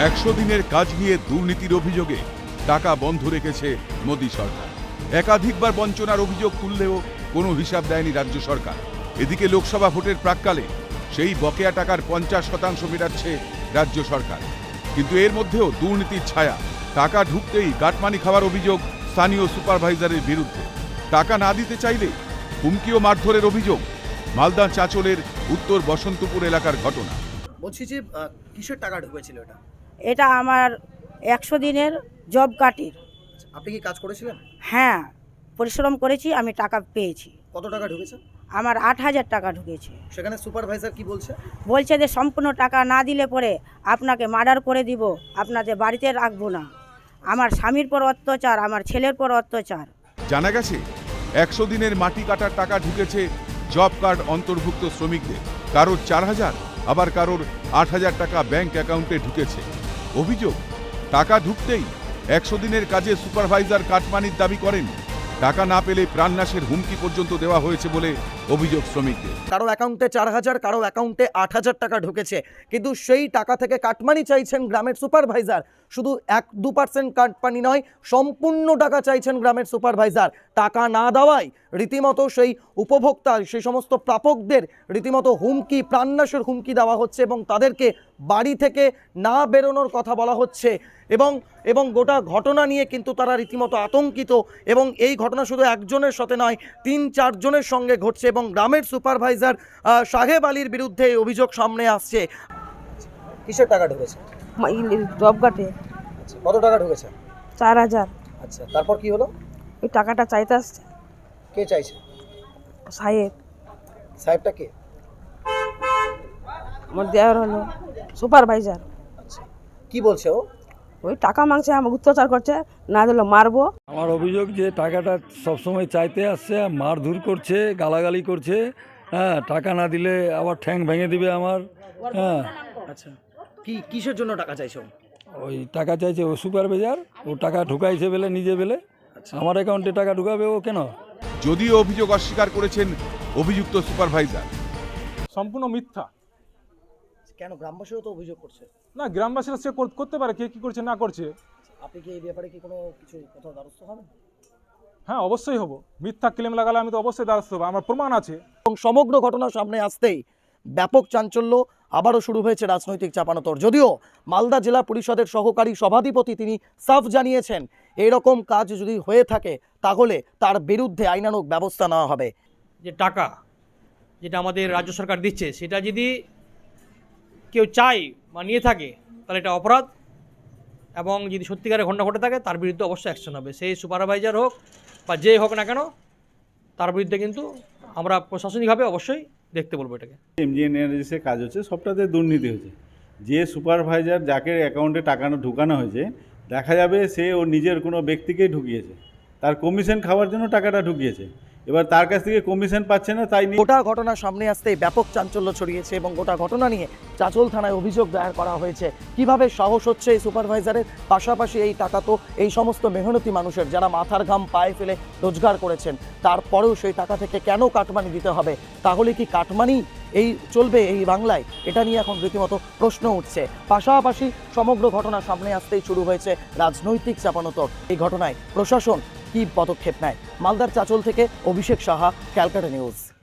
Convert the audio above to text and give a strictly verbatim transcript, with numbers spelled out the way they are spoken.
একশো দিনের কাজ নিয়ে দুর্নীতির অভিযোগে টাকা বন্ধ রেখেছে মোদী সরকার। একাধিকবার বঞ্চনার অভিযোগ তুললেও কোনো হিসাব দেয়নি রাজ্য সরকার। এদিকে লোকসভা ভোটের প্রাক্কালে সেই বকেয়া টাকার পঞ্চাশ শতাংশ মেটাচ্ছে রাজ্য সরকার। কিন্তু এর মধ্যেও দুর্নীতির ছায়া। টাকা ঢুকতেই গাটমানি খাওয়ার অভিযোগ স্থানীয় সুপারভাইজারের বিরুদ্ধে। টাকা না দিতে চাইলে হুমকি ও মারধরের অভিযোগ। মালদা চাঁচলের উত্তর বসন্তপুর এলাকার ঘটনা। বলছি যে কিসের টাকা ঢুকেছিল এটা? এটা আমার একশো দিনের জব কার্ডের। আপনি কি কাজ করেছিলেন? হ্যাঁ, পরিশ্রম করেছি, আমি টাকা পেয়েছি। কত টাকা ঢুকেছে? আমার আট হাজার টাকা ঢুকেছে। সেখানে সুপারভাইজার কি বলছে? বলছে যে সম্পূর্ণ টাকা না দিলে পরে আপনাকে মার্ডার করে দিব, আপনাদের বাড়িতে রাখবো না। আমার স্বামীর পর অত্যাচার, আমার ছেলের পর অত্যাচার। জানা গেছে একশো দিনের মাটি কাটার টাকা ঢুকেছে জব কার্ড অন্তর্ভুক্ত শ্রমিকদের। কারোর চার হাজার, আবার কারোর আট হাজার টাকা ব্যাংক অ্যাকাউন্টে ঢুকেছে। অভিযোগ, টাকা ঢুকতেই একশো দিনের কাজে সুপারভাইজার কাটমানির দাবি করেন। টাকা না পেলে প্রাণনাশের হুমকি পর্যন্ত দেওয়া হয়েছে বলে অভিযোগ শ্রমিকদের। কারো অ্যাকাউন্টে চার হাজার, কারো অ্যাকাউন্টে আট হাজার টাকা ঢুকেছে, কিন্তু সেই টাকা থেকে কাটমানি চাইছেন গ্রামের সুপারভাইজার। শুধু এক দু পার্সেন্ট কাটমানি নয়, সম্পূর্ণ টাকা চাইছেন গ্রামের সুপারভাইজার। টাকা না দেওয়ায় রীতিমতো সেই উপভোক্তা, সেই সমস্ত প্রাপকদের রীতিমতো হুমকি, প্রাণনাশের হুমকি দেওয়া হচ্ছে এবং তাদেরকে বাড়ি থেকে না বেরোনোর কথা বলা হচ্ছে। এবং এবং গোটা ঘটনা নিয়ে কিন্তু তারা রীতিমতো আতঙ্কিত। এবং এই ঘটনা শুধু একজনের সাথে নয়, তিন চারজনের সঙ্গে ঘটছে এবং গ্রামের সুপারভাইজার সাহেব আলীর বিরুদ্ধে এই অভিযোগ সামনে আসছে। কিসের টাকা ঢুকেছে? জব কার্ডে কত টাকা ঢুকেছে? চার হাজার। আচ্ছা, তারপর কি হলো? ওই টাকাটা চাইতে আসছে কে চাইছে? সাহেব। সাহেবটা কে? আমার দেওয়ার হলো সুপারভাইজার। আচ্ছা, কি বলছে ও? ওই টাকা মাংসে আমাকে অত্যাচার করছে, না দিলে মারবো। আমার অভিযোগ যে টাকাটা সবসময় চাইতে আসছে, মারধর করছে, গালাগালি করছে। হ্যাঁ, টাকা না দিলে আবার ঠ্যাং ভেঙে দিবে আমার। হ্যাঁ। আচ্ছা, কি কিসের জন্য টাকা চাইছো? ওই টাকা চাইছে ও সুপারভাইজার, ও টাকা ঢুকাইছে বলে নিজে বলে। আমার অ্যাকাউন্টে টাকা ঢুকাবে ও কেন? যদিও অভিযোগ অস্বীকার করেছেন অভিযুক্ত সুপারভাইজার। সম্পূর্ণ মিথ্যা। কেন? গ্রামবাসীও তো অভিযোগ করছে। না, গ্রামবাসীরা সে করতে পারে, কে কি করছে না করছে। আপনি কি এই ব্যাপারে কি কোনো কিছু কোথাও দ্বারস্থ হবেন? হ্যাঁ, অবশ্যই হব। মিথ্যা ক্লেম লাগালে আমি তো অবশ্যই দ্বারস্থ হবো, আমার প্রমাণ আছে। এবং সমগ্র ঘটনা সামনে আসতেই ব্যাপক চাঞ্চল্য, আবারও শুরু হয়েছে রাজনৈতিক চাপানোতর। যদিও মালদা জেলা পরিষদের সহকারী সভাধিপতি তিনি সাফ জানিয়েছেন, এরকম কাজ যদি হয়ে থাকে তাহলে তার বিরুদ্ধে আইনানুগ ব্যবস্থা নেওয়া হবে। যে টাকা যেটা আমাদের রাজ্য সরকার দিচ্ছে, সেটা যদি কেউ চায় বা নিয়ে থাকে তাহলে এটা অপরাধ, এবং যদি সত্যিকারের ঘটনা ঘটে থাকে তার বিরুদ্ধে অবশ্যই অ্যাকশন হবে। সেই সুপারভাইজার হোক বা যে হোক না কেন, তার বিরুদ্ধে কিন্তু আমরা প্রশাসনিকভাবে অবশ্যই দেখতে বলবো এটাকে। এমজিএনআরজিসে কাজ হচ্ছে, সবটাতে দুর্নীতি হয়েছে। যে সুপারভাইজার যাকে অ্যাকাউন্টে টাকা ঢুকানো হয়েছে, দেখা যাবে সে ও নিজের কোনো ব্যক্তিকেই ঢুকিয়েছে, তার কমিশন খাওয়ার জন্য টাকাটা ঢুকিয়েছে। এবার তার কাছ থেকে কমিশন পাচ্ছে না, তাই নিয়ে গোটা ঘটনা সামনে আসতেই ব্যাপক চাঞ্চল্য ছড়িয়েছে এবং গোটা ঘটনা নিয়ে চাঁচল থানায় অভিযোগ দায়ের করা হয়েছে। কিভাবে সাহস হচ্ছে এই সুপারভাইজারের? পাশাপাশি এই টাকা তো এই সমস্ত মেহনতি মানুষের, যারা মাথার ঘাম পায়ে ফেলে রোজগার করেছেন, তারপরেও সেই টাকা থেকে কেন কাটমানি দিতে হবে? তাহলে কি কাটমানি এই চলবে এই বাংলায়? এটা নিয়ে এখন রীতিমতো প্রশ্ন উঠছে। পাশাপাশি সমগ্র ঘটনা সামনে আসতেই শুরু হয়েছে রাজনৈতিক চাপানোতর। এই ঘটনায় প্রশাসন কি পদক্ষেপ নেয়? মালদার চাঁচল থেকে অভিষেক সাহা, ক্যালকাটা নিউজ।